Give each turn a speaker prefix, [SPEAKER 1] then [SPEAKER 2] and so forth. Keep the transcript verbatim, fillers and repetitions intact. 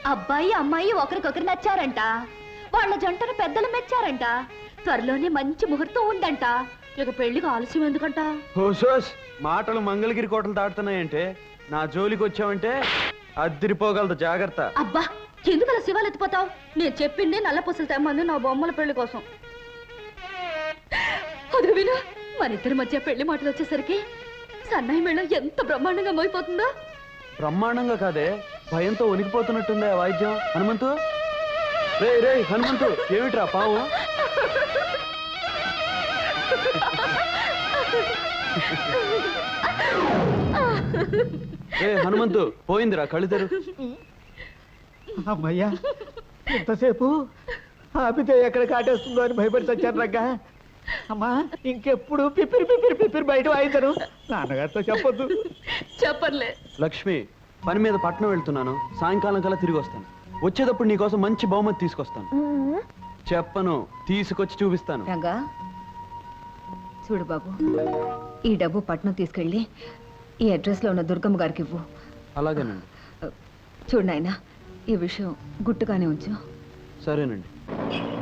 [SPEAKER 1] అబ్బాయి అమ్మాయి ఒకరికొకరు నచ్చారంట. వాళ్ళ జంటను పెద్దలు మెచ్చారంట. త్వరలోనే మంచి ముహూర్తం ఉందంట. ఇక పెళ్లికి ఆలస్యం ఎందుకంట?
[SPEAKER 2] హోసోస్ మాటలు మంగళగిరి కోటలు దాటుతున్నాయంటే నా జోలికి వచ్చావంటే అద్దిరిపోగలదు, జాగ్రత్త.
[SPEAKER 1] అబ్బా, ఎందుకు అలా శివాలు ఎత్తిపోతావు? నేను చెప్పింది నల్ల పూసలు తెమ్మంది నా బొమ్మల పెళ్లి కోసం. అది విను, మన ఇద్దరి మధ్య పెళ్లి మాటలు వచ్చేసరికి సన్నాయి మేళం ఎంత బ్రహ్మాండంగా మోయిపోతుందో.
[SPEAKER 2] బ్రహ్మాండంగా కాదే, భయంతో వణికిపోతున్నట్టుందే ఆ వాయిద్యం. హనుమంతు, రే రే హనుమంతు, ఏమిట్రా పావు? ఏ హనుమంతు, పోయిందిరా, కళ్ళు తెరు.
[SPEAKER 3] అమ్మయ్యా, ఎంతసేపు ఆపితే ఎక్కడ కాటేస్తుందో అని భయపడి చచ్చాను రగ్గా. అమ్మా, ఇంకెప్పుడు పిపిరి పిపిరి పిపిరి బయట వాయించను. నాన్నగారితో చెప్పొద్దు.
[SPEAKER 1] చెప్పర్లే.
[SPEAKER 2] లక్ష్మి, పని మీద పట్నం వెళ్తున్నాను, సాయంకాలం కల్లా తిరిగి వస్తాను. వచ్చేటప్పుడు నీకోసం మంచి బహుమతి తీసుకొస్తాను. చెప్పను, తీసుకొచ్చి చూపిస్తాను.
[SPEAKER 4] రంగా చూడు బాబు, ఈ డబ్బు పట్నం తీసుకెళ్ళి ఈ అడ్రస్ లో ఉన్న దుర్గమ్మ గారికి ఇవ్వు.
[SPEAKER 2] అలాగేనండి.
[SPEAKER 4] చూడు నాయనా, ఈ విషయం గుట్టుగానే ఉంచు.
[SPEAKER 2] సరేనండి.